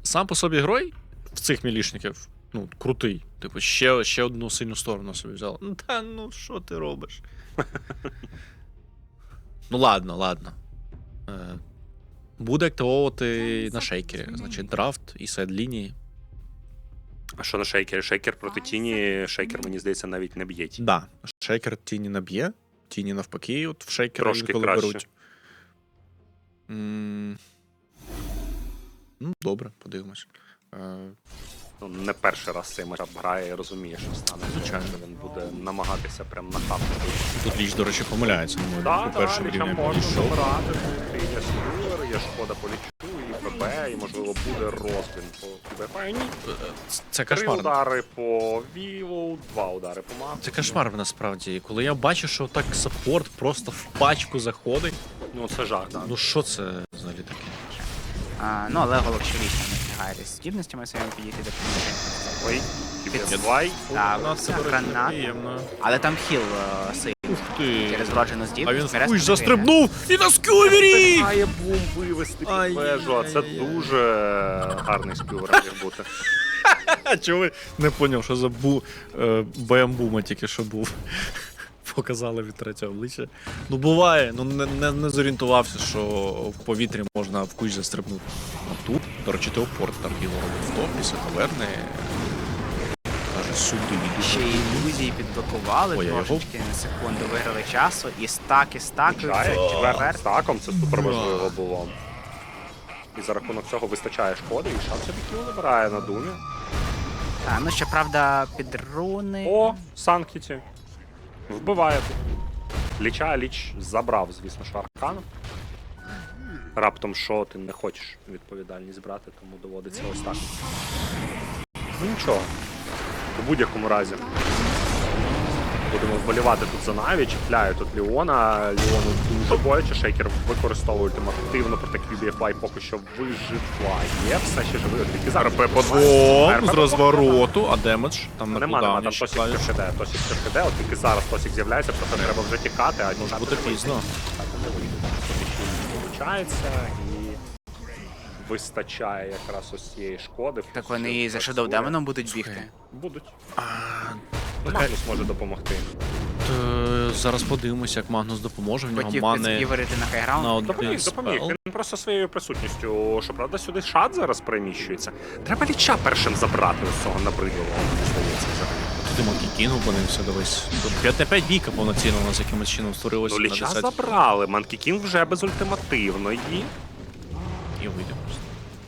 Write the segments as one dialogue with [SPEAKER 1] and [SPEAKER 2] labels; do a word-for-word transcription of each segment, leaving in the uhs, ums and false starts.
[SPEAKER 1] сам по собі герой в цих мілішників, ну, крутий. Типу, ще, ще одну сильну сторону собі взяла. Ну та ну що ти робиш? Ну ладно, ладно. Е, буде активовувати на шейкері. Значить, драфт і сайд-лінії.
[SPEAKER 2] А що на шейкері? Шейкер проти тіні, шейкер, мені здається, навіть не б'є.
[SPEAKER 1] Да, шейкер тіні наб'є, тіні навпаки, от в шейкера
[SPEAKER 2] Трошки
[SPEAKER 1] інколи
[SPEAKER 2] краще.
[SPEAKER 1] беруть. М, Ну, добре, подивимось. Е,
[SPEAKER 2] Ну, не перший раз цей матч грає і розуміє, що стане.
[SPEAKER 1] Звичайно.
[SPEAKER 2] Він буде намагатися прям нахапати.
[SPEAKER 1] Тут Ліч, до речі, помиляється, на мою
[SPEAKER 2] Так,
[SPEAKER 1] думку,
[SPEAKER 2] так,
[SPEAKER 1] першим
[SPEAKER 2] Ліча
[SPEAKER 1] рівнем
[SPEAKER 2] можна
[SPEAKER 1] підійшов.
[SPEAKER 2] забирати. Тут і є Сюлер, є шкода по Лічу, і ПБ, і, можливо, буде розбін по КБ. Ні.
[SPEAKER 1] Це
[SPEAKER 2] Три
[SPEAKER 1] кошмар.
[SPEAKER 2] удари по Віву, два удари по Максу.
[SPEAKER 1] Це кошмар насправді. Коли я бачу, що так саппорт просто в пачку заходить.
[SPEAKER 2] Ну, це жах, так.
[SPEAKER 1] Ну що це взагалі таке?
[SPEAKER 3] А, ну, але Голок ще лічно не встигає десь здібностями своїми підійти до кінця.
[SPEAKER 2] Ой, Кіберзвай.
[SPEAKER 3] Так,
[SPEAKER 1] Ну, це, до речі,
[SPEAKER 3] гранат.
[SPEAKER 1] неприємно.
[SPEAKER 3] Але там хіл е, сильний.
[SPEAKER 1] Ух ти!
[SPEAKER 3] Через вроджену
[SPEAKER 1] А
[SPEAKER 3] здібність.
[SPEAKER 1] він в
[SPEAKER 3] Мерес
[SPEAKER 1] кущ
[SPEAKER 3] не
[SPEAKER 1] застрибнув і на скювері!
[SPEAKER 2] Має бум вивести під вежу, а це
[SPEAKER 1] Ай-яй-яй.
[SPEAKER 2] дуже гарний скювер міг бути.
[SPEAKER 1] А чого ви не поняв, що за бу... е, БМ-бума тільки що був? Показали від третього обличчя. Ну буває, ну не, не, не зорієнтувався, що в повітрі можна в кущ застрибнути. А тут, до речі, телепорт там його робить в топ, після таверни. Каже, сюди.
[SPEAKER 3] Ще й ілюзії підблокували
[SPEAKER 1] Ой, а його-
[SPEAKER 3] трошечки на секунду, виграли часу, і стак, і стак.
[SPEAKER 2] Чає, четвертим стаком, це супер
[SPEAKER 1] Ура.
[SPEAKER 2] важливо було. І за рахунок цього вистачає шкоди, і шанс собі кіл набирає на думі.
[SPEAKER 3] А, ну, щоправда, під руни.
[SPEAKER 2] О, Санкіті. Вбиває тут. Ліча, Ліч забрав, звісно, що аркану. Раптом що ти не хочеш відповідальність брати, тому доводиться ось так. Ну нічого. У будь-якому разі. Будемо вболівати тут за Наві, чіпляє тут Ліона. Ліону дуже боляче, шейкер використовує ультимативно проти кью бі еф вай поки що виживає. Все ще живий, тільки зараз.
[SPEAKER 1] РП по двом, з розвороту, а демедж там на
[SPEAKER 2] Нема, нема,
[SPEAKER 1] кулдауні
[SPEAKER 2] там
[SPEAKER 1] ще
[SPEAKER 2] Тосік
[SPEAKER 1] клавіш.
[SPEAKER 2] КШД, Тосік КШД, от тільки зараз Тосік з'являється, просто треба вже тікати, а
[SPEAKER 1] Може
[SPEAKER 2] тікати
[SPEAKER 1] бути
[SPEAKER 2] не вийде.
[SPEAKER 1] пізно.
[SPEAKER 2] Так, не вийде. Получається, і вистачає якраз ось цієї шкоди.
[SPEAKER 3] Так вони і за Shadow Demon будуть бігти.
[SPEAKER 2] Будуть.
[SPEAKER 1] А,
[SPEAKER 2] Ну, Магнус може допомогти.
[SPEAKER 1] то зараз подивимося, як Магнус допоможе. В нього
[SPEAKER 3] Хотів
[SPEAKER 1] мани
[SPEAKER 3] підсківерити на
[SPEAKER 1] на
[SPEAKER 3] хайграунд.
[SPEAKER 1] один
[SPEAKER 2] Допоміг, допоміг.
[SPEAKER 1] спел.
[SPEAKER 2] Він просто своєю присутністю, що правда, сюди шат зараз переміщується. Треба Ліча першим забрати ось цього набридливого, мені здається, взагалі.
[SPEAKER 1] Туди Манкі Кінг опинився, дивись. Тут п'ять на п'ять бійка повноцінно у нас якимось чином створилося
[SPEAKER 2] Ну,
[SPEAKER 1] на
[SPEAKER 2] Ліча
[SPEAKER 1] десять.
[SPEAKER 2] забрали, Манкі Кінг вже без ультимативної.
[SPEAKER 1] І вийде просто.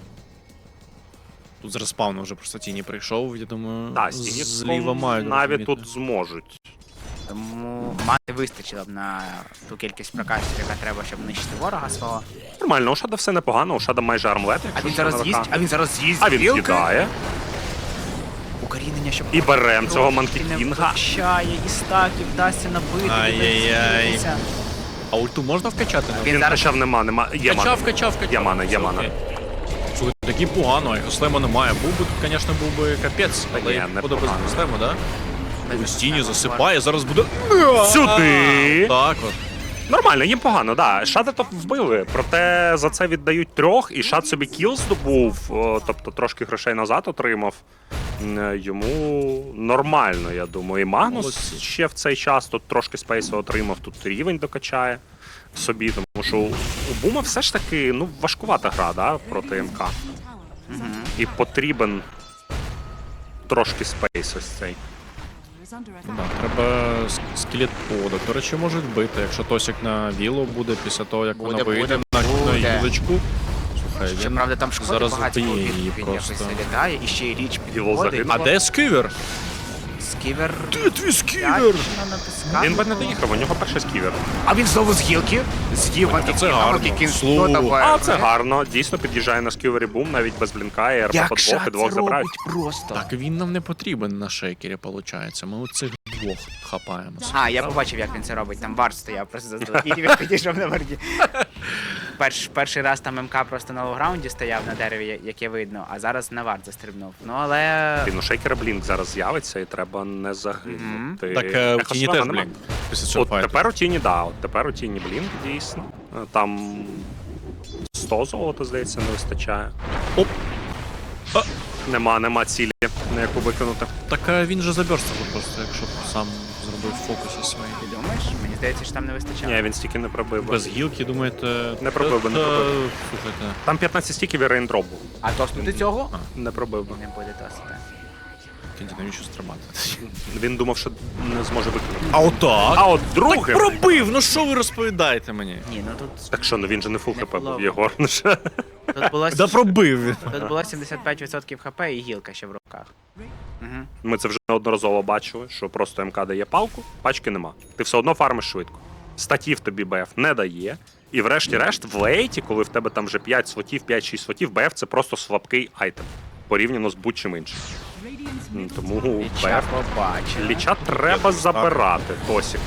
[SPEAKER 1] Тут з респауну вже просто тіні прийшов, я думаю,
[SPEAKER 2] Так,
[SPEAKER 1] зліва мають.
[SPEAKER 2] навіть
[SPEAKER 1] розуміти.
[SPEAKER 2] тут зможуть.
[SPEAKER 3] Тому мати вистачило б на ту кількість прокачів, яка треба, щоб нищити ворога свого.
[SPEAKER 2] Нормально, у Шада все непогано, у Шада майже армлет.
[SPEAKER 3] А
[SPEAKER 2] якщо
[SPEAKER 3] він
[SPEAKER 2] що,
[SPEAKER 3] зараз
[SPEAKER 2] на
[SPEAKER 3] з'їсть,
[SPEAKER 2] ВК.
[SPEAKER 3] а він зараз з'їсть.
[SPEAKER 2] А він
[SPEAKER 3] гілки.
[SPEAKER 2] кидає.
[SPEAKER 3] Укорінення, щоб
[SPEAKER 2] І берем цього Манкі
[SPEAKER 3] не
[SPEAKER 2] Кінга.
[SPEAKER 3] вистачає, і стаків вдасться набити.
[SPEAKER 1] Ай-яй-яй.
[SPEAKER 3] дивиться.
[SPEAKER 1] А ульту можна вкачати?
[SPEAKER 3] Він
[SPEAKER 2] Він
[SPEAKER 3] зараз-
[SPEAKER 2] качав, нема, нема. Є мана.
[SPEAKER 1] Качав, качав, качав.
[SPEAKER 2] Є мана, є
[SPEAKER 1] Все
[SPEAKER 2] мана.
[SPEAKER 1] окей. Слухай, такі погано, а його слема немає. Був би тут, звісно, був би капець,
[SPEAKER 2] Та
[SPEAKER 1] але
[SPEAKER 2] ні,
[SPEAKER 1] як
[SPEAKER 2] не
[SPEAKER 1] буде без
[SPEAKER 2] погано.
[SPEAKER 1] слему, да?
[SPEAKER 3] Без
[SPEAKER 1] Ось тіні
[SPEAKER 3] слему.
[SPEAKER 1] засипає, зараз буде...
[SPEAKER 2] Сюди!
[SPEAKER 1] Так от.
[SPEAKER 2] Нормально, їм погано, да. Шада то вбили, проте за це віддають трьох, і Шад собі кіл здобув, о, тобто трошки грошей назад отримав. М, Йому нормально, я думаю. І Магнус
[SPEAKER 1] Молодці.
[SPEAKER 2] ще в цей час тут трошки спейсу отримав, тут рівень докачає собі, тому що у Бума все ж таки ну, важкувата гра, да, проти МК. І потрібен трошки спейс ось цей.
[SPEAKER 1] Да, треба с- скелет поводок. До речі, можуть бити, якщо Тосік на віло буде після того, як
[SPEAKER 3] Буде,
[SPEAKER 1] вона вийде
[SPEAKER 3] буде,
[SPEAKER 1] на, на
[SPEAKER 3] буде.
[SPEAKER 1] юлечку. Слухай, він...
[SPEAKER 3] Щоправда, там шкоди
[SPEAKER 1] зараз
[SPEAKER 3] багато
[SPEAKER 1] вб'є
[SPEAKER 3] він,
[SPEAKER 1] її
[SPEAKER 3] він
[SPEAKER 1] просто.
[SPEAKER 3] якось залітає, і ще й річ
[SPEAKER 2] Його
[SPEAKER 3] підходить.
[SPEAKER 2] загинуло.
[SPEAKER 1] А де скивер?
[SPEAKER 3] Сківер...
[SPEAKER 1] Де твій скивер?
[SPEAKER 3] Вдячно натискав.
[SPEAKER 2] Він би не доїхав, у нього перший сківер.
[SPEAKER 3] А він знову з гілки. З'їв
[SPEAKER 1] це гарно. Слухай.
[SPEAKER 2] А, це гарно. Дійсно під'їжджає на сківері бум, навіть без блінка, і РП по
[SPEAKER 3] Як
[SPEAKER 2] двох,
[SPEAKER 3] шат
[SPEAKER 2] і двох
[SPEAKER 3] це
[SPEAKER 2] забирають.
[SPEAKER 3] робить просто.
[SPEAKER 1] Так він нам не потрібен на шейкері, виходить. Ми оцих двох хапаємо.
[SPEAKER 3] А, я побачив, як він це робить. Там вард стояв просто заздалегідь, він підійшов на варді. Перш, перший раз там МК просто на лоу-граунді стояв на дереві, яке видно, а зараз на вард застрибнув. Ну, але...
[SPEAKER 2] Блін, у шейкера блінк зараз з'явиться, і треба не загинути.
[SPEAKER 1] Так е, в
[SPEAKER 2] Ехо
[SPEAKER 1] тіні
[SPEAKER 2] Слема
[SPEAKER 1] теж,
[SPEAKER 2] нема.
[SPEAKER 1] блін. Після цього
[SPEAKER 2] От
[SPEAKER 1] файту.
[SPEAKER 2] тепер у тіні, да, от тепер у тіні блінк, дійсно. Е, Там сто золота, здається, не вистачає.
[SPEAKER 1] Оп.
[SPEAKER 2] Нема, нема цілі, на яку викинути.
[SPEAKER 1] Так а він же заберстав просто, якщо б сам зробив фокуси свої.
[SPEAKER 3] Ти думаєш? Мені здається, що там не вистачало.
[SPEAKER 2] Ні, він стільки не пробив. би.
[SPEAKER 1] Без гілки, думаєте...
[SPEAKER 2] Не пробив би, не
[SPEAKER 1] Та-
[SPEAKER 2] пробив.
[SPEAKER 1] Слухайте.
[SPEAKER 2] Там п'ятнадцять стіків і рейндроп був.
[SPEAKER 3] А тоснути цього?
[SPEAKER 2] Не пробив би.
[SPEAKER 3] Не буде тосити.
[SPEAKER 1] Тоді навіщо стримати?
[SPEAKER 2] Він думав, що не зможе викинути.
[SPEAKER 1] А отак?
[SPEAKER 2] А от
[SPEAKER 1] Так
[SPEAKER 2] другим...
[SPEAKER 1] пробив! Ну що ви розповідаєте мені?
[SPEAKER 3] Ні, ну тут,
[SPEAKER 2] Так що, ну він же не фул
[SPEAKER 3] Не
[SPEAKER 2] хп
[SPEAKER 3] було.
[SPEAKER 2] був, Єгор. Ну що?
[SPEAKER 3] тут, було,
[SPEAKER 1] Да пробив він.
[SPEAKER 3] тут було сімдесят п'ять відсотків хп і гілка ще в руках. Угу.
[SPEAKER 2] Ми це вже неодноразово бачили, що просто МК дає палку, пачки нема. Ти все одно фармиш швидко. Статів тобі БФ не дає. І врешті-решт, в лейті, коли в тебе там вже п'ять слотів, п'ять-шість слотів, БФ це просто слабкий айтем. Порівняно з будь-чим іншим. М, Тому
[SPEAKER 3] Ліча
[SPEAKER 2] БФ.
[SPEAKER 3] побачив.
[SPEAKER 2] Ліча треба забирати, Тосік.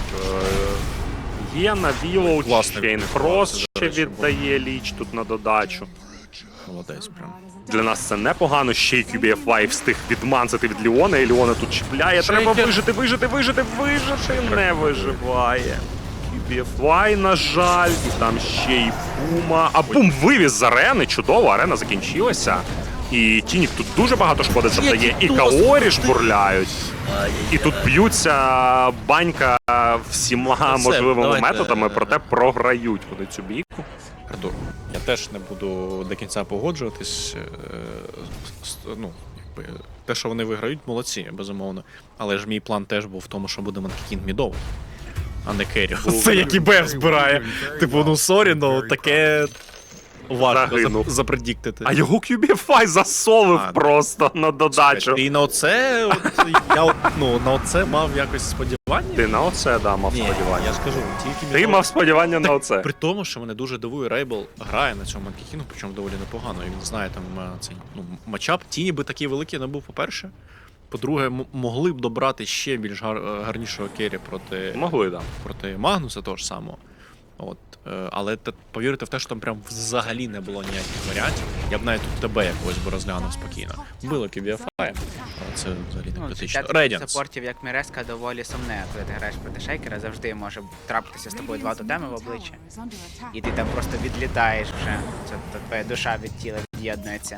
[SPEAKER 2] Е, Є на Вілоу,
[SPEAKER 1] Класний
[SPEAKER 2] Чейн
[SPEAKER 1] вибір,
[SPEAKER 2] Фрост
[SPEAKER 1] це,
[SPEAKER 2] ще
[SPEAKER 1] до речі,
[SPEAKER 2] віддає ліч тут на додачу.
[SPEAKER 1] Молодець прям.
[SPEAKER 2] Для нас це непогано, ще й кю бі еф вай встиг відманцити від Ліона, і Ліона тут чіпляє. Треба
[SPEAKER 1] Шейкер.
[SPEAKER 2] вижити, вижити, вижити, вижити. Не виживає. кю бі еф вай, на жаль, і там ще й Пума. А Бум вивіз з арени, чудово, арена закінчилася. І Тінік тут дуже багато шкоди завдає, і Каорі жбурляють. І тут б'ються банька всіма
[SPEAKER 1] Все,
[SPEAKER 2] можливими
[SPEAKER 1] давайте.
[SPEAKER 2] методами, проте програють вони цю бійку.
[SPEAKER 1] Артур, я теж не буду до кінця погоджуватись. е, з- Ну, якби, те, що вони виграють, молодці, безумовно. Але ж мій план теж був в тому, що буде Манкікін мідовий, а не Керрі. Це який Беф збирає. Типу, ну сорі, ну таке важко
[SPEAKER 2] Загинув.
[SPEAKER 1] зап- запредіктити.
[SPEAKER 2] А його кю бі еф вай засолив
[SPEAKER 1] А,
[SPEAKER 2] просто на додачу.
[SPEAKER 1] І на оце, от, я от, ну, на оце мав якось сподівання.
[SPEAKER 2] Ти на оце, да, мав
[SPEAKER 1] Ні,
[SPEAKER 2] сподівання.
[SPEAKER 1] я ж кажу, тільки
[SPEAKER 2] Ти
[SPEAKER 1] мідовий.
[SPEAKER 2] мав сподівання на оце.
[SPEAKER 1] При тому, що мене дуже дивує, Рейбл грає на цьому Манкікіну, причому доволі непогано. І він знає там е, цей ну, матчап. Тіні би такий великий не був, по-перше. По-друге, м- могли б добрати ще більш гар- е, гарнішого керрі проти,
[SPEAKER 2] Могли, да.
[SPEAKER 1] проти Магнуса того ж самого. От. е, Але те, повірте в те, що там прям взагалі не було ніяких варіантів. Я б навіть тут тебе якось би розглянув спокійно. Було кю бі еф ай, але це взагалі не
[SPEAKER 3] Ну,
[SPEAKER 1] критично.
[SPEAKER 3] життя
[SPEAKER 1] Рейдіанс.
[SPEAKER 3] саппортів, як Міреска, доволі сумне, коли ти граєш проти шейкера, завжди може трапитися з тобою два тотеми в обличчя. І ти там просто відлітаєш вже. Це та твоя душа від тіла від'єднується.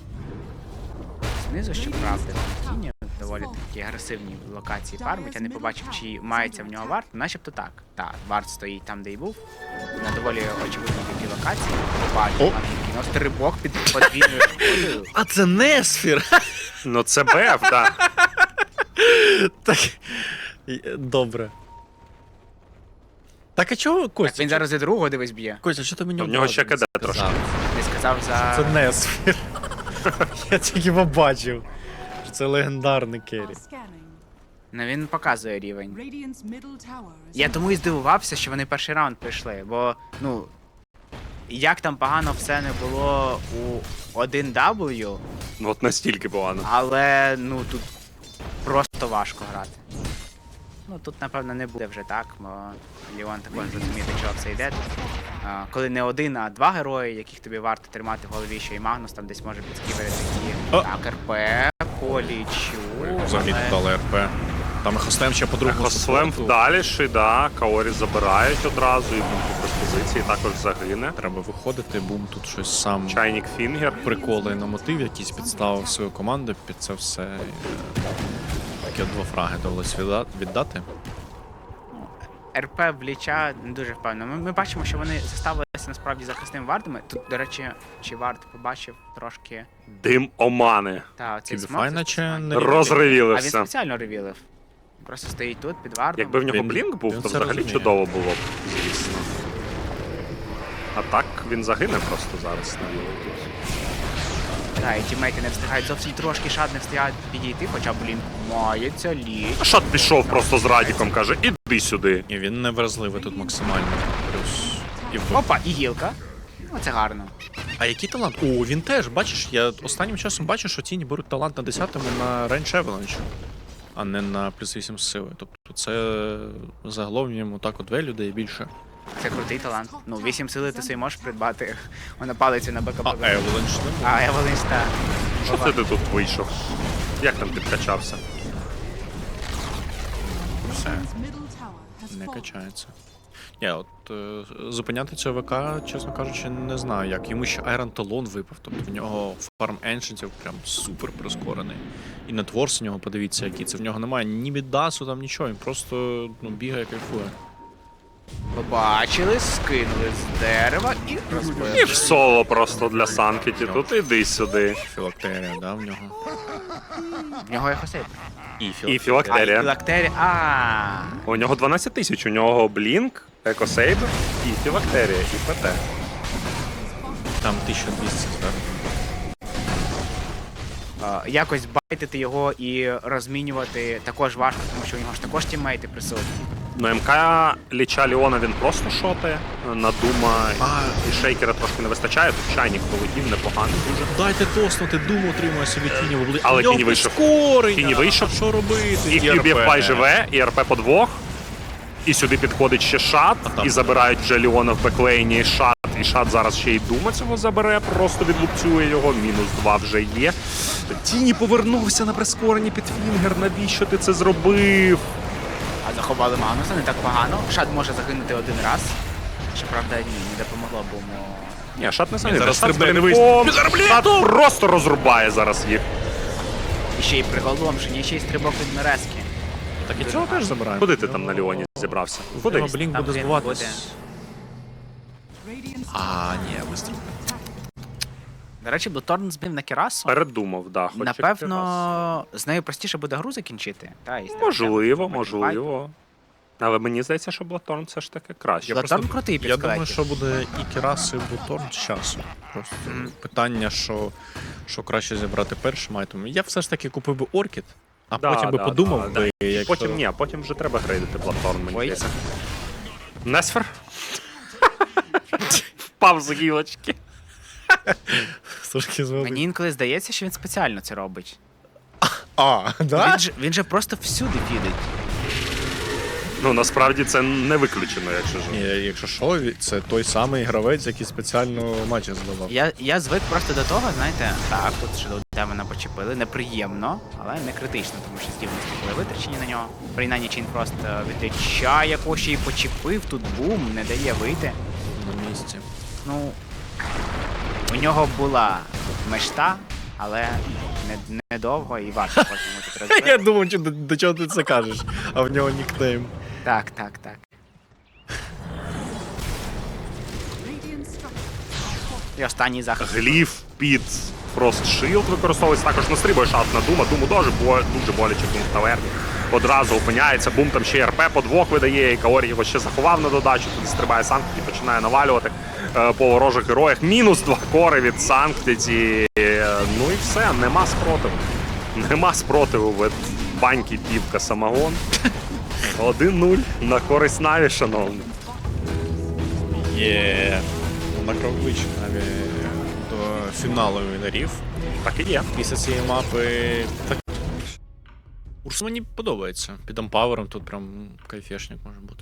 [SPEAKER 3] Знизу, щоправда, там тіні доволі такі агресивні локації фармить. Я не побачив, чи мається в нього варт. Начебто так. Так, варт стоїть там, де й був. На доволі очевидній такій локації. Побачив,
[SPEAKER 1] О!
[SPEAKER 3] кіно стрибок під подвійною шкодою.
[SPEAKER 1] А це Несфір!
[SPEAKER 2] Ну це БФ, так.
[SPEAKER 1] Так. і- Добре. Так а чого, Костя?
[SPEAKER 3] Він зараз і другого дивись б'є.
[SPEAKER 1] Костя, що ти мені
[SPEAKER 2] В нього ще
[SPEAKER 1] одразу
[SPEAKER 2] КД
[SPEAKER 1] не
[SPEAKER 2] трошки.
[SPEAKER 1] сказав?
[SPEAKER 3] Не сказав за...
[SPEAKER 1] Це Несфір. Я тільки побачив, що це легендарний керрі.
[SPEAKER 3] Ну він показує рівень.
[SPEAKER 4] Я
[SPEAKER 3] Я тому і здивувався, що вони перший раунд прийшли, бо, ну, як там погано все не було у один дабл ю,
[SPEAKER 2] Ну от настільки погано.
[SPEAKER 3] але, ну, тут просто важко грати. Ну, тут, напевно, не буде вже так, бо Ліон також розуміє, до чого все йде. А, коли не один, а два герої, яких тобі варто тримати в голові, що і Магнус там десь може підскібери такі.
[SPEAKER 1] О!
[SPEAKER 3] Так, РП, полічу.
[SPEAKER 1] Взагалі
[SPEAKER 3] але-
[SPEAKER 1] не дали РП. Там Хостем ще по другому
[SPEAKER 2] Хослем
[SPEAKER 1] супорту.
[SPEAKER 2] вдаліший, да. Каорі забирають одразу, і бум без позиції також загине.
[SPEAKER 1] Треба виходити, бум тут щось сам
[SPEAKER 2] Чайник Фінгер.
[SPEAKER 1] приколи на мотив, якийсь підставив свою команду під це все. е, Такі два фраги довелось відда- віддати.
[SPEAKER 3] РП в Ліча не дуже впевнено. Ми, ми бачимо, що вони заставилися насправді захисними вартами. Тут, до речі, чи варт побачив трошки.
[SPEAKER 2] Дим омани.
[SPEAKER 3] Та, цей
[SPEAKER 1] Кібіфай
[SPEAKER 3] смок.
[SPEAKER 1] наче не
[SPEAKER 3] А він
[SPEAKER 2] Розривілився.
[SPEAKER 3] спеціально ревілив. Просто стоїть тут під вартом.
[SPEAKER 2] Якби в нього
[SPEAKER 1] Він-
[SPEAKER 2] блінк був,
[SPEAKER 1] він
[SPEAKER 2] то
[SPEAKER 1] це
[SPEAKER 2] взагалі
[SPEAKER 1] розуміє.
[SPEAKER 2] чудово було б, звісно. А так він загине просто зараз на вілу тут.
[SPEAKER 3] Так, і тімейти не встигають зовсім трошки, шад не встигають підійти, хоча блін, мається ліч.
[SPEAKER 2] А Шат пішов просто з Радіком, каже, іди сюди.
[SPEAKER 1] І він не вразливий тут максимально. Плюс. І в...
[SPEAKER 3] Опа, і гілка. Ну, це гарно.
[SPEAKER 1] А який талант? О, він теж, бачиш, я останнім часом бачу, що тіні беруть талант на десятому на Range Avalanche, а не на плюс вісім з сили. Тобто це загалом йому так от велю дає більше.
[SPEAKER 3] Це крутий талант. Ну, вісім сили ти собі можеш придбати. Вона палицю на
[SPEAKER 1] А
[SPEAKER 3] БКБ.
[SPEAKER 1] Avalanche не може.
[SPEAKER 3] А Евелинс, та.
[SPEAKER 2] Що це ти тут вийшов? Як там підкачався?
[SPEAKER 1] Все, не качається. Я от е, зупиняти цього ВК, чесно кажучи, не знаю як. Йому ще Айрон Талон випав, тобто в нього фарм еншентів прям супер прискорений. І нетворс у нього, подивіться, який це. В нього немає ні бідасу, там нічого, він просто ну, бігає, кайфує.
[SPEAKER 3] Побачили, скинули з дерева і розбили.
[SPEAKER 2] І в соло просто для Санкеті. Тут іди сюди.
[SPEAKER 1] Філактерія, да, в нього.
[SPEAKER 3] В нього ехосейп.
[SPEAKER 1] І
[SPEAKER 2] І філактерія.
[SPEAKER 3] Філактерія. А.
[SPEAKER 2] У нього дванадцять тисяч, у нього Блінк, Екосейбер і філактерія, і ПТ.
[SPEAKER 1] Там тисяча двісті зверху.
[SPEAKER 3] Е, Якось байтити його і розмінювати також важко, тому що у нього ж також тіммейти присутні.
[SPEAKER 2] Ну, МК Ліча Ліона він просто шотає. На Дума
[SPEAKER 1] А.
[SPEAKER 2] і Шейкера трошки не вистачає. Тут чайник полетів, непоганий дуже.
[SPEAKER 1] Дайте тоснути, Думу отримує собі тіні в обличчя.
[SPEAKER 2] Але
[SPEAKER 1] В нього
[SPEAKER 2] Тіні вийшов.
[SPEAKER 1] прискорення.
[SPEAKER 2] Тіні вийшов.
[SPEAKER 1] А що робити?
[SPEAKER 2] І QBFY живе, і РП по двох. І сюди підходить ще Шат,
[SPEAKER 1] там
[SPEAKER 2] і забирають вже Ліона в беклейні, і Шат. І Шат зараз ще й Дума цього забере, просто відлупцює його. Мінус два вже є. Тіні повернувся на прискоренні під Фінгер. Навіщо ти це зробив?
[SPEAKER 3] А заховали Магнуса, не так погано. Шад може загинути один раз. Щоправда, ні, не допомогло, бо му...
[SPEAKER 2] Ні, Шат не
[SPEAKER 1] Він
[SPEAKER 2] самі.
[SPEAKER 1] зараз
[SPEAKER 2] Шат
[SPEAKER 1] стрибне, не
[SPEAKER 2] стрибком.
[SPEAKER 1] вийде.
[SPEAKER 2] Шат просто розрубає зараз їх.
[SPEAKER 3] І ще й приголомшення, і ще й стрибок від Мерезки.
[SPEAKER 1] Так і цього теж забираємо.
[SPEAKER 2] Куди ти там на Ліоні зібрався?
[SPEAKER 1] Куди?
[SPEAKER 2] Куди?
[SPEAKER 1] Блінк
[SPEAKER 3] Там
[SPEAKER 1] буде
[SPEAKER 3] він
[SPEAKER 1] збиватись. А, ні, вистріл.
[SPEAKER 3] До речі, Блуторн збив на Кірасу.
[SPEAKER 2] Передумав, да. Хоч
[SPEAKER 3] Напевно, з нею простіше буде гру закінчити. Та, і
[SPEAKER 2] Можливо,
[SPEAKER 3] потім
[SPEAKER 2] можливо. Але мені здається, що Блаторн все ж таки краще.
[SPEAKER 3] Я Блаторн крутий під
[SPEAKER 1] Я думаю,
[SPEAKER 3] скелетів.
[SPEAKER 1] що буде і Керас, і Буторн з часу. Просто
[SPEAKER 3] Мгм.
[SPEAKER 1] питання, що, що краще зібрати першим айтемом. Я все ж таки купив би Оркід, а
[SPEAKER 2] Да,
[SPEAKER 1] потім би
[SPEAKER 2] да,
[SPEAKER 1] подумав
[SPEAKER 2] да,
[SPEAKER 1] би,
[SPEAKER 2] да.
[SPEAKER 1] якщо...
[SPEAKER 2] Потім ні, потім вже треба грейдити Блаторн, мені
[SPEAKER 3] Ой.
[SPEAKER 2] здається. Несфер? Впав з гілочки.
[SPEAKER 1] Трошки звели.
[SPEAKER 3] Мені інколи здається, що він спеціально це робить.
[SPEAKER 1] А, да?
[SPEAKER 3] Він же, він же просто всюди фідить.
[SPEAKER 2] Ну, насправді це не виключено, якщо ж.
[SPEAKER 1] Ні, якщо що, це той самий гравець, який спеціально матчі зливав.
[SPEAKER 3] Я, я звик просто до того, знаєте, так, тут ще до демона почепили, неприємно, але не критично, тому що здібності були витрачені на нього. Принаймні Чин просто відрічає, якого ще й почепив, тут бум, не дає вийти.
[SPEAKER 1] На місці.
[SPEAKER 3] Ну, у нього була мечта, але не- недовго і важко потім тут
[SPEAKER 1] Я
[SPEAKER 3] розбити.
[SPEAKER 1] думав, що до, до чого ти це кажеш, а в нього нікнейм.
[SPEAKER 3] Так, так, так. І останній захист.
[SPEAKER 2] Гліф під Frost Shield використовується, також настрибує шат на Дума. Думу дуже, бо, дуже боляче бум в таверні. Одразу опиняється, бум там ще й РП по двох видає, і Каорі його ще заховав на додачу, туди стрибає Санктіті і починає навалювати е, по ворожих героях. Мінус два кори від Санктіті. Е, ну і все, нема спротиву. Нема спротиву від баньки півка самогон. один нуль на користь Наві, шановні.
[SPEAKER 1] Є на крок ближче навіть до фіналу вінерів.
[SPEAKER 2] Так і є.
[SPEAKER 1] Після цієї мапи. Так. Урс мені подобається. Під ампавером тут прям кайфешник може бути.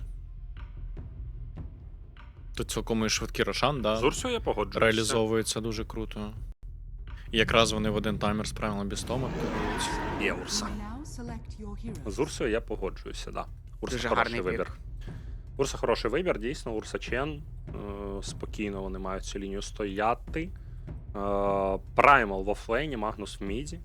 [SPEAKER 1] Тут цілком і швидкий Рошан, да,
[SPEAKER 2] З Урсою я погоджуюся.
[SPEAKER 1] реалізовується дуже круто. І якраз вони в один таймер справили без Тома.
[SPEAKER 2] Є Урса. З Урсою я погоджуюся, да. Урса
[SPEAKER 3] Дуже
[SPEAKER 2] хороший
[SPEAKER 3] гарний
[SPEAKER 2] вибір.
[SPEAKER 3] пік.
[SPEAKER 2] Урса хороший вибір, дійсно, Урса Чен. Е, спокійно вони мають цю лінію стояти. Е, Праймал в офлейні, Магнус в міді.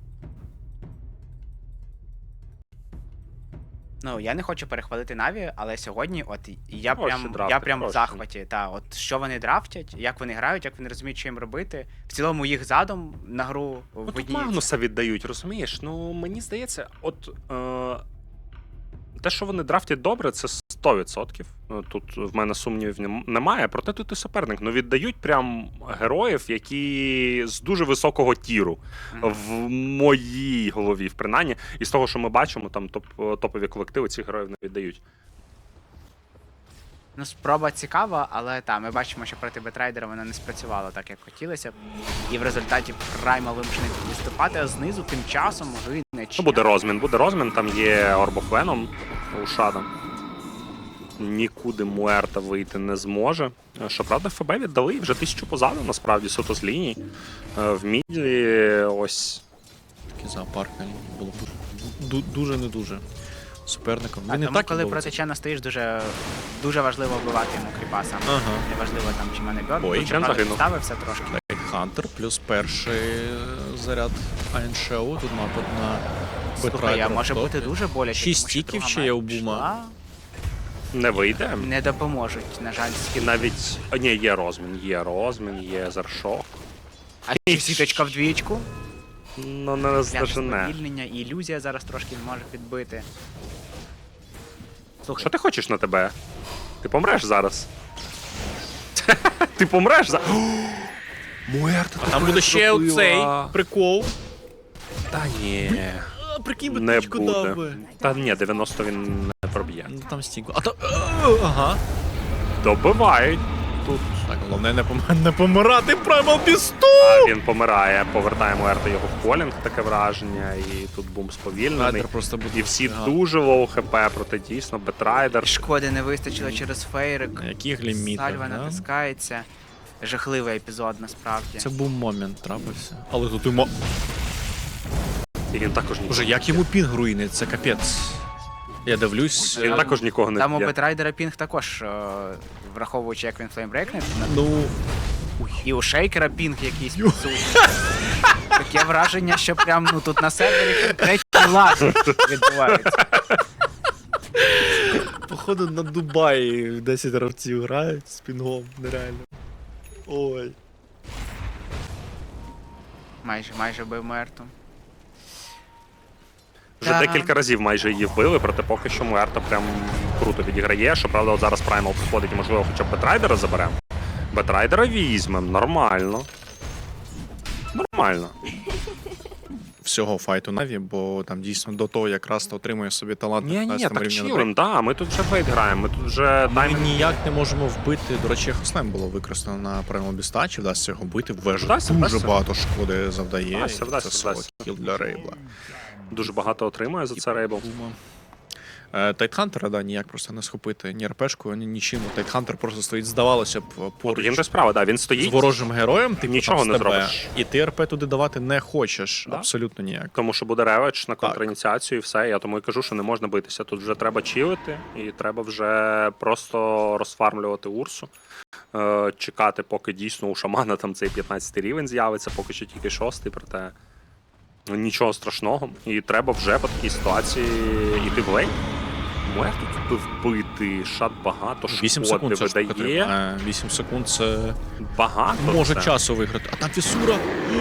[SPEAKER 3] Ну, я не хочу перехвалити Наві, але сьогодні от я
[SPEAKER 2] Хороший
[SPEAKER 3] прям,
[SPEAKER 2] драфт,
[SPEAKER 3] я прям в
[SPEAKER 2] хороший.
[SPEAKER 3] захваті. Та, от що вони драфтять, як вони грають, як вони розуміють, що їм робити. В цілому їх задум на гру
[SPEAKER 2] Ну,
[SPEAKER 3] в
[SPEAKER 2] тут
[SPEAKER 3] одній.
[SPEAKER 2] Магнуса віддають, розумієш? Ну, мені здається, от е, те, що вони драфтять добре, це сто відсотків. Ну, тут в мене сумнівів нем- немає, проте тут і суперник. Ну, віддають прям героїв, які з дуже високого тіру.
[SPEAKER 3] Мгм.
[SPEAKER 2] В моїй голові, в принаймні. І з того, що ми бачимо, там топ, топові колективи цих героїв не віддають.
[SPEAKER 3] Ну, спроба цікава, але та, ми бачимо, що проти Бетрайдера вона не спрацювала так, як хотілося б. І в результаті Праймал вимушений відступати, а знизу тим часом гине
[SPEAKER 2] Ну,
[SPEAKER 3] Чен.
[SPEAKER 2] буде розмін, буде розмін, там є Орбофеном у Шада. Нікуди Муерта вийти не зможе. Щоправда, ФБ віддали і вже тисячу позаду, насправді, суто з ліній. Е, В міді ось.
[SPEAKER 1] Такий зоопарк на лінії було б ду- дуже не дуже. суперником.
[SPEAKER 3] А
[SPEAKER 1] Він і
[SPEAKER 3] тому,
[SPEAKER 1] так
[SPEAKER 3] коли
[SPEAKER 1] був.
[SPEAKER 3] проти Чена стоїш, дуже, дуже важливо вбивати йому кріпа саме.
[SPEAKER 1] Ага.
[SPEAKER 3] Неважливо там, чи мене бьот.
[SPEAKER 1] Ой,
[SPEAKER 3] Тут
[SPEAKER 2] Чен
[SPEAKER 3] правда
[SPEAKER 2] загинув.
[SPEAKER 3] підставився трошки.
[SPEAKER 1] Хантер плюс перший заряд Iron Show. Тут напад на
[SPEAKER 3] Слухай, а
[SPEAKER 1] Бетрайдера.
[SPEAKER 3] може бути дуже боляче,
[SPEAKER 1] Шість
[SPEAKER 3] тому що
[SPEAKER 1] стіків
[SPEAKER 3] друга
[SPEAKER 1] ще є у
[SPEAKER 3] мать
[SPEAKER 1] Бума.
[SPEAKER 3] пішла.
[SPEAKER 2] Не вийде.
[SPEAKER 3] Не допоможуть, на жаль,
[SPEAKER 2] І
[SPEAKER 3] скіл.
[SPEAKER 2] навіть. О, ні, є розмін, є розмін, є заршок.
[SPEAKER 3] А ще сіточка в двічку.
[SPEAKER 2] Ну, не
[SPEAKER 3] Пляж
[SPEAKER 2] здожене.
[SPEAKER 3] сповільнення, і ілюзія зараз трошки не може підбити. Слухай,
[SPEAKER 2] Що ти хочеш на тебе? Ти помреш зараз. Ти помреш зараз. Муерта,
[SPEAKER 1] Там буде ще оцей прикол.
[SPEAKER 2] Та ні.
[SPEAKER 1] А, прикинь, би
[SPEAKER 2] Не
[SPEAKER 1] тичку дав
[SPEAKER 2] буде.
[SPEAKER 1] би.
[SPEAKER 2] Та ні, дев'яносто він не проб'є.
[SPEAKER 1] Ну там стінку. А то. Ага.
[SPEAKER 2] Добивають. Тут
[SPEAKER 1] Так, головне не, пом... не помирати Primal Beast!
[SPEAKER 2] а він помирає, повертає Муерта його в полінг, таке враження, і тут бум сповільнений.
[SPEAKER 1] Райдер просто буде.
[SPEAKER 2] І всі
[SPEAKER 1] Ага.
[SPEAKER 2] дуже лоу хп, проте дійсно Бетрайдер.
[SPEAKER 3] шкоди не вистачило через фейрик.
[SPEAKER 1] На яких лімітах,
[SPEAKER 3] Сальва
[SPEAKER 1] да?
[SPEAKER 3] натискається. Жахливий епізод, насправді.
[SPEAKER 1] Це був момент, трапився. Але тут йому.
[SPEAKER 2] І він також нікого.
[SPEAKER 1] Боже, як йому пінг руїнить, це капець. Я дивлюсь.
[SPEAKER 2] Він
[SPEAKER 1] е,
[SPEAKER 2] також нікого не
[SPEAKER 3] Там у
[SPEAKER 2] б'є.
[SPEAKER 3] Бетрайдера пінг також, е, враховуючи, як він флеймбрейкне.
[SPEAKER 1] Ну.
[SPEAKER 3] І у Шейкера пінг якийсь підсутній. Таке враження, що прям ну тут на сервері третій лаг відбувається.
[SPEAKER 1] Походу на Дубаї десять гравців грають з пінгом, нереально. Ой.
[SPEAKER 3] Майже, майже бив Мерту.
[SPEAKER 2] Вже
[SPEAKER 3] Та.
[SPEAKER 2] декілька разів майже її вбили, проте поки що Муерта прям круто відіграє. Щоправда, от зараз Праймал підходить і, можливо, хоча б Бетрайдера заберемо. Бетрайдера візьмем, нормально. Нормально.
[SPEAKER 1] Всього файту Наві, бо там дійсно до того якраз то отримує собі талант
[SPEAKER 2] Ні, ні,
[SPEAKER 1] п'ятнадцятому
[SPEAKER 2] так
[SPEAKER 1] рівні на
[SPEAKER 2] чилим, да, ми тут вже фейт граємо, ми тут вже
[SPEAKER 1] Ми
[SPEAKER 2] таймінг.
[SPEAKER 1] ніяк не можемо вбити. До речі, Хослем було використано на Primal Beast, чи вдасться його вбити. Вежа
[SPEAKER 2] Вдасться,
[SPEAKER 1] дуже
[SPEAKER 2] вдасться.
[SPEAKER 1] багато шкоди завдає.
[SPEAKER 2] Вдасться,
[SPEAKER 1] і
[SPEAKER 2] вдасться,
[SPEAKER 1] це соло
[SPEAKER 2] вдасться.
[SPEAKER 1] кіл для Рейбла.
[SPEAKER 2] Дуже багато отримує за це Рейбл.
[SPEAKER 1] Тайтхантера, да, ніяк просто не схопити ні РПшкою, ні нічим. Тайтхантер просто стоїть, здавалося б,
[SPEAKER 2] Тут їм
[SPEAKER 1] поруч
[SPEAKER 2] без справа, да, він
[SPEAKER 1] з
[SPEAKER 2] стоїть,
[SPEAKER 1] ворожим героєм, ти
[SPEAKER 2] Нічого не зробиш.
[SPEAKER 1] І ти РП туди давати не хочеш.
[SPEAKER 2] Да.
[SPEAKER 1] Абсолютно ніяк.
[SPEAKER 2] тому що буде реведж на контраініціацію і все. Я тому і кажу, що не можна битися. Тут вже треба чилити, і треба вже просто розфармлювати Урсу. Е, чекати, поки дійсно у шамана там цей п'ятнадцятий рівень з'явиться, поки що тільки шостий, проте ну, нічого страшного. І треба вже по такій ситуації йти в лейн. Муер тут вбити, шат багато,
[SPEAKER 1] вісім
[SPEAKER 2] шкоди
[SPEAKER 1] секунд це ж
[SPEAKER 2] видає.
[SPEAKER 1] потрібно. вісім секунд це
[SPEAKER 2] Багато
[SPEAKER 1] може
[SPEAKER 2] це.
[SPEAKER 1] часу виграти. А там Фісура.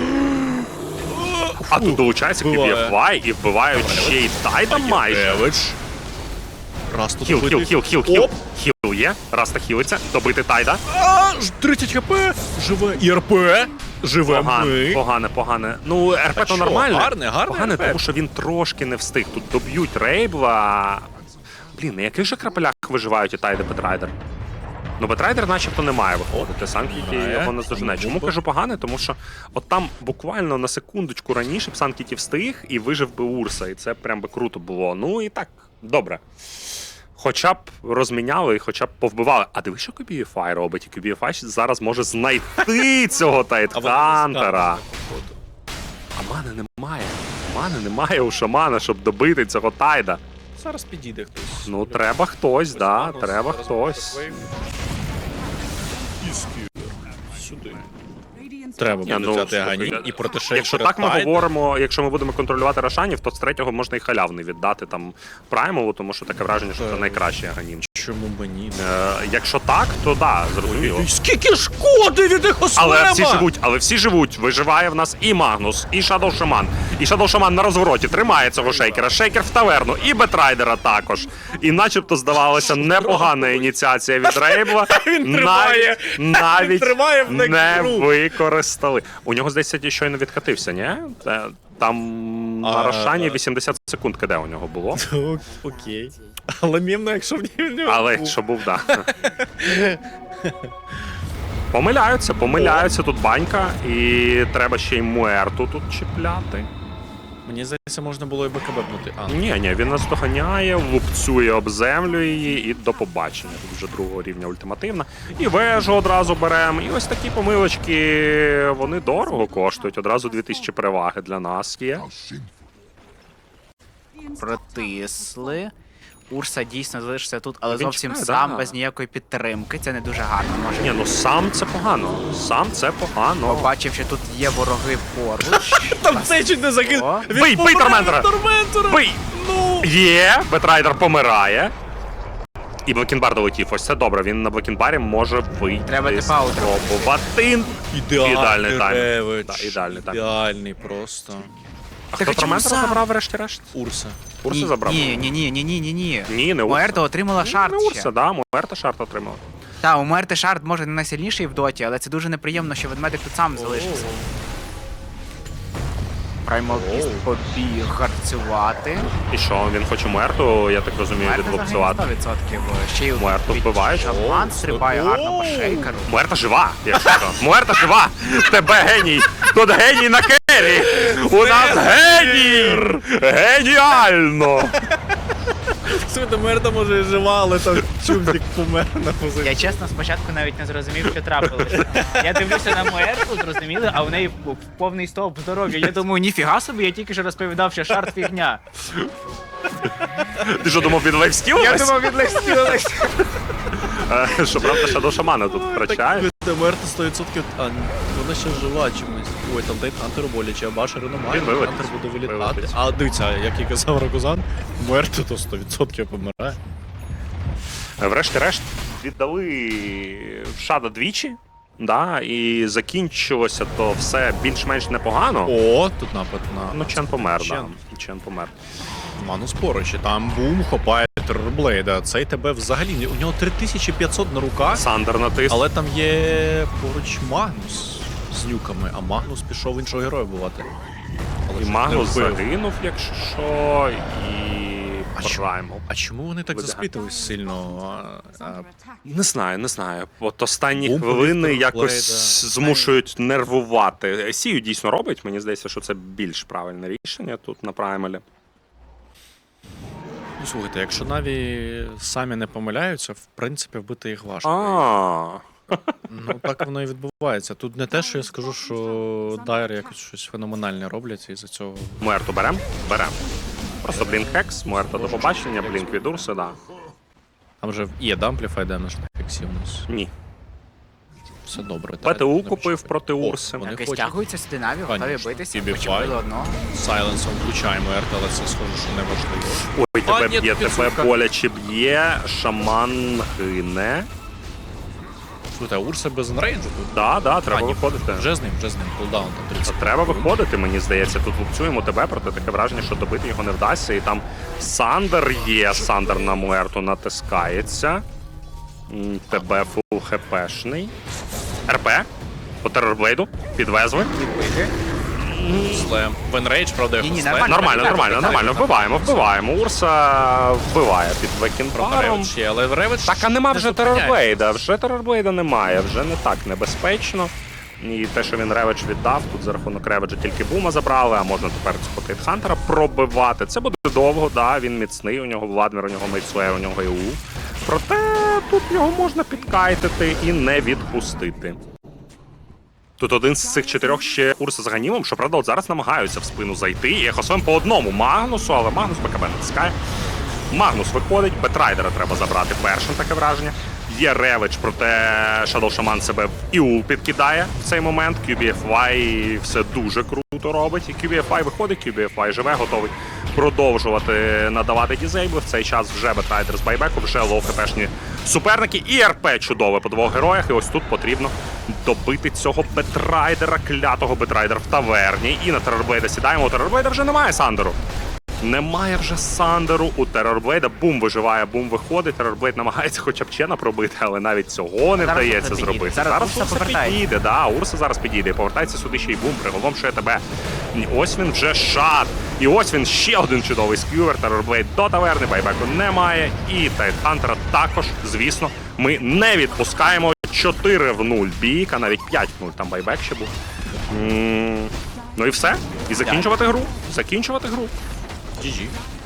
[SPEAKER 2] А тут долучається
[SPEAKER 1] вбиває.
[SPEAKER 2] кю бі еф вай і вбивають ще й Тайда майже.
[SPEAKER 1] Ревич. Раз тут
[SPEAKER 2] Хіл, хіл,
[SPEAKER 1] вбитий.
[SPEAKER 2] хіл, хіл, хіл.
[SPEAKER 1] Оп.
[SPEAKER 2] Хіл є. Раста хілиться. Добити Тайда.
[SPEAKER 1] А, ж тридцять хп. Живе. І РП. Живе
[SPEAKER 2] Погане,
[SPEAKER 1] ми.
[SPEAKER 2] погане, погане. Ну, РП
[SPEAKER 1] Та
[SPEAKER 2] то
[SPEAKER 1] що,
[SPEAKER 2] нормально.
[SPEAKER 1] гарне, гарне
[SPEAKER 2] Погане,
[SPEAKER 1] РП.
[SPEAKER 2] тому що він трошки не встиг. Тут доб'ють Рейбла. Блін, на яких же крапелях виживають і Тайда Бетрайдер? Ну, Бетрайдер начебто не має виходити. Санкіті
[SPEAKER 1] Грає.
[SPEAKER 2] його не здожене. Чому кажу погане? Тому що от там буквально на секундочку раніше б Санкіті встиг і вижив би Урса. І це прям би круто було. Ну і так, добре. Хоча б розміняли і хоча б повбивали. А диви, що кю бі еф ай робить? І кю бі еф ай зараз може знайти цього Тайтхантера. А мани немає. Мани немає у шамана, щоб добити цього Тайда.
[SPEAKER 1] Зараз підійде хтось.
[SPEAKER 2] Ну, треба хтось, да, треба хтось.
[SPEAKER 1] Сюди. Треба
[SPEAKER 2] Ні,
[SPEAKER 1] буде
[SPEAKER 2] ну,
[SPEAKER 1] взяти
[SPEAKER 2] слухай,
[SPEAKER 1] Агані і проти Шейкера.
[SPEAKER 2] Якщо так ми
[SPEAKER 1] Тайда.
[SPEAKER 2] говоримо, якщо ми будемо контролювати Рошанів, то з третього можна і халявний віддати там Праймову, тому що таке враження, що це
[SPEAKER 1] Так.
[SPEAKER 2] найкращий Аганім.
[SPEAKER 1] Чому б ні?
[SPEAKER 2] Е, якщо так, то да, зрозуміло.
[SPEAKER 1] Скільки шкоди від їх
[SPEAKER 2] Але всі живуть, але всі живуть. Виживає в нас і Магнус, і Шадоу Шаман. І Шадоу Шаман на розвороті тримає цього шейкера. Шейкер в таверну, і Бетрайдера також. І начебто здавалося непогана ініціація від Рейбла.
[SPEAKER 1] Він тримає.
[SPEAKER 2] Навіть, навіть
[SPEAKER 1] тримає в
[SPEAKER 2] не
[SPEAKER 1] некру.
[SPEAKER 2] використали. У нього здається, щойно відкатився, ні? Е, Там
[SPEAKER 1] А,
[SPEAKER 2] на Рошані
[SPEAKER 1] а.
[SPEAKER 2] вісімдесят секунд киде у нього було.
[SPEAKER 1] Окей. Але мімно, якщо в нього.
[SPEAKER 2] Але що був, да. Помиляються, помиляються тут банька, і треба ще й Муерту тут чіпляти.
[SPEAKER 1] Мені здається, можна було і БКБ-бнути. А,
[SPEAKER 2] Ні, ні, він нас доганяє, лупцює об землю її і до побачення. Тут вже другого рівня ультимативна. І вежу одразу беремо. І ось такі помилочки, вони дорого коштують. Одразу дві тисячі переваги для нас є.
[SPEAKER 3] Протисли. Урса дійсно залишиться тут, але
[SPEAKER 2] Він
[SPEAKER 3] зовсім
[SPEAKER 2] чекає,
[SPEAKER 3] сам,
[SPEAKER 2] да.
[SPEAKER 3] без ніякої підтримки. Це не дуже гарно може.
[SPEAKER 2] Ні, ну сам це погано. Сам це погано.
[SPEAKER 3] Побачив, що тут є вороги поруч.
[SPEAKER 1] Там цей чуть не загинув.
[SPEAKER 3] О.
[SPEAKER 1] Він
[SPEAKER 2] Бий, бий
[SPEAKER 1] помирає
[SPEAKER 2] Торментора!
[SPEAKER 1] від Торментора!
[SPEAKER 2] Бий!
[SPEAKER 1] Ну!
[SPEAKER 2] Є, Бетрайдер помирає. І Блекінбар долетів. Ось це добре. Він на Блекінбарі може вийти.
[SPEAKER 3] Треба типа аутро.
[SPEAKER 2] Спробувати. Ідеальний тайм.
[SPEAKER 1] Ревич.
[SPEAKER 2] Да, ідеальний тайм.
[SPEAKER 1] Ідеальний просто.
[SPEAKER 2] А
[SPEAKER 3] Так
[SPEAKER 2] хто
[SPEAKER 3] а чому
[SPEAKER 2] Торментора
[SPEAKER 3] сам?
[SPEAKER 2] забрав врешті-решт?
[SPEAKER 1] Урса.
[SPEAKER 2] Урса
[SPEAKER 3] Ні,
[SPEAKER 2] забрав?
[SPEAKER 3] Ні, ні, ні, ні, ні, ні, ні.
[SPEAKER 2] Ні, не Урса.
[SPEAKER 3] Муерто отримала шарт
[SPEAKER 2] Не
[SPEAKER 3] ще.
[SPEAKER 2] Урса, да, Муерта шарт отримав.
[SPEAKER 3] Та, у Муерти шарт може не найсильніший в доті, але це дуже неприємно, що ведмедик тут сам залишився. Праймал Біст побіг гарцювати.
[SPEAKER 2] І що, він хоче Муерту, я так розумію,
[SPEAKER 3] Муерта загине
[SPEAKER 2] відбуксувати.
[SPEAKER 3] сто відсотків. Ще й
[SPEAKER 2] Муерту
[SPEAKER 3] від
[SPEAKER 2] вбивають.
[SPEAKER 3] Шаман
[SPEAKER 1] О,
[SPEAKER 3] стрибає
[SPEAKER 1] о.
[SPEAKER 3] гарно по шейкеру.
[SPEAKER 2] Муерта жива, якщо що. Муерта жива! Тебе геній! Тут геній на кері! У нас геній! Геніально!
[SPEAKER 1] Слухайте, Мерта може і жива, але там чубзик помер на позиції.
[SPEAKER 3] Я чесно спочатку навіть не зрозумів, що трапилося. Я дивлюся на Муерту, зрозуміли, а в неї повний стовп здоров'я. Я думаю, ніфіга собі, я тільки що розповідав, що шарт фігня.
[SPEAKER 2] Ти що думав, він лайфстіл?
[SPEAKER 3] Я думав, відлестілися.
[SPEAKER 2] Що правда, Shadow Шамана тут втрачає.
[SPEAKER 1] Так, Мерта сто відсотків, а вона ще жива чомусь. Ой, там Тейт Хантеру боляче, а Башеру немає.
[SPEAKER 2] Він вилетить.
[SPEAKER 1] Хантер буде вилітати.
[SPEAKER 2] Вилетить.
[SPEAKER 1] А дивіться, як і казав Рокузан, Мерта то сто відсотків помирає.
[SPEAKER 2] Врешті-решт віддали в Шада двічі. Да, і закінчилося то все більш-менш непогано.
[SPEAKER 1] О, тут напад на...
[SPEAKER 2] Ну, Чен помер,
[SPEAKER 1] Чен.
[SPEAKER 2] да. Чен помер.
[SPEAKER 1] Манус поруч, і там бум, хопає Террорблейда. Цей тебе взагалі, ні- у нього три тисячі п'ятсот на руках,
[SPEAKER 2] Сандер натис.
[SPEAKER 1] але там є поруч Магнус з нюками, а Магнус пішов іншого героя бувати. Але
[SPEAKER 2] І
[SPEAKER 1] ж
[SPEAKER 2] Магнус
[SPEAKER 1] не вбив.
[SPEAKER 2] загинув, якщо що, і
[SPEAKER 1] А чому?
[SPEAKER 2] Праймал.
[SPEAKER 1] А чому вони так
[SPEAKER 2] Видихати.
[SPEAKER 1] засплітились сильно? А, а,
[SPEAKER 2] Не знаю, не знаю. От останні
[SPEAKER 1] Бум
[SPEAKER 2] хвилини
[SPEAKER 1] повів
[SPEAKER 2] якось
[SPEAKER 1] Террорблейда.
[SPEAKER 2] змушують нервувати. Сію дійсно робить, мені здається, що це більш правильне рішення тут на Праймалі.
[SPEAKER 1] Ну, слухайте, якщо Наві самі не помиляються, в принципі, вбити їх важко.
[SPEAKER 2] А,
[SPEAKER 1] Ну, так воно і відбувається. Тут не те, що я скажу, що Дайр якось щось феноменальне роблять, і за цього.
[SPEAKER 2] Муерту берем? Берем. Просто блінк хекс, Муерта до побачення, блінк від Урси, да.
[SPEAKER 1] Там же є дампліфай демедж на фіксі у нас.
[SPEAKER 2] Ні.
[SPEAKER 1] Все добре.
[SPEAKER 2] ПТУ купив проти Урси.
[SPEAKER 1] Вони
[SPEAKER 3] Так і
[SPEAKER 1] хочуть.
[SPEAKER 3] стягуються сюди Наві, готові
[SPEAKER 1] Конечно.
[SPEAKER 3] битися.
[SPEAKER 1] Бібі
[SPEAKER 3] Почепили
[SPEAKER 1] Фай.
[SPEAKER 3] одного.
[SPEAKER 1] Сайленсом включаємо Ерт, але це схоже, що не важливо.
[SPEAKER 2] Ой,
[SPEAKER 1] А,
[SPEAKER 2] тебе
[SPEAKER 1] ні,
[SPEAKER 2] б'є,
[SPEAKER 1] тут
[SPEAKER 2] тебе
[SPEAKER 1] підсумка.
[SPEAKER 2] боляче б'є, шаман гине.
[SPEAKER 1] Слухайте, а Урса без енрейджу тут?
[SPEAKER 2] Да, да, треба
[SPEAKER 1] А, ні,
[SPEAKER 2] виходити.
[SPEAKER 1] Вже з ним, вже з ним. Кулдаун там тридцять.
[SPEAKER 2] Треба виходити, мені здається. Тут лупцюємо тебе, проте таке враження, що добити його не вдасться. І там Сандер є, Сандер на Муерту натискається. М, Тебе фул хпшний. РП по Террорблейду. Підвезли.
[SPEAKER 3] Відбити.
[SPEAKER 1] Слем. В енрейдж, правда, його
[SPEAKER 3] Ні-ні,
[SPEAKER 1] слем.
[SPEAKER 3] нормально.
[SPEAKER 2] Нормально, нормально, нормально. Вбиваємо, вбиваємо. Урса вбиває під
[SPEAKER 1] Правда,
[SPEAKER 2] Векінбаром.
[SPEAKER 1] Ревич є, але Ревич...
[SPEAKER 2] Так, а нема
[SPEAKER 1] не
[SPEAKER 2] вже
[SPEAKER 1] зупиняється.
[SPEAKER 2] Террорблейда. Вже Террорблейда немає, вже не так небезпечно. І те, що він Реведж віддав, тут за рахунок Реведжа тільки бума забрали, а можна тепер цього Тайтхантера пробивати. Це буде довго, да, він міцний, у нього Владмір, у нього Мейдслеєр, у нього ЄУ. Проте тут його можна підкайтити і не відпустити. Тут один з цих чотирьох ще Урса з Ганімом, що правда, от зараз намагаються в спину зайти. І Ехосвем по одному Магнусу, але Магнус БКБ натискає. Магнус виходить, Бетрайдера треба забрати першим, таке враження. Є Ревич, проте Shadow Shaman себе в Іул підкидає в цей момент. кью бі еф вай все дуже круто робить. І кью бі еф вай виходить, кью бі еф вай живе, готовий продовжувати надавати дізейбли. В цей час вже Бетрайдер з байбеку, вже лоу хпшні суперники. І РП чудове по двох героях. І ось тут потрібно добити цього Бетрайдера, клятого Бетрайдера в таверні. І на Террорблейда сідаємо. У Террорблейда вже немає Сандеру. Немає вже Сандеру у Террорблейда. Бум виживає, бум виходить. Террорблейд намагається хоча б Чена пробити, але навіть цього не
[SPEAKER 3] Зараз
[SPEAKER 2] вдається
[SPEAKER 3] Урса
[SPEAKER 2] зробити.
[SPEAKER 3] підійде. Зараз Урса
[SPEAKER 2] Урса
[SPEAKER 3] повертається.
[SPEAKER 2] підійде, да, Урса зараз підійде. І повертається сюди ще й бум, приголомшує тебе. І ось він вже шат. І ось він ще один чудовий скювер. Террорблейд до таверни, байбеку немає. І Тайтхантера також, звісно, ми не відпускаємо. чотири в нуль бійка, навіть п'ять в нуль, там байбек ще був. М, Ну і все. І закінчувати гру. Закінчувати гру.
[SPEAKER 1] джі джі.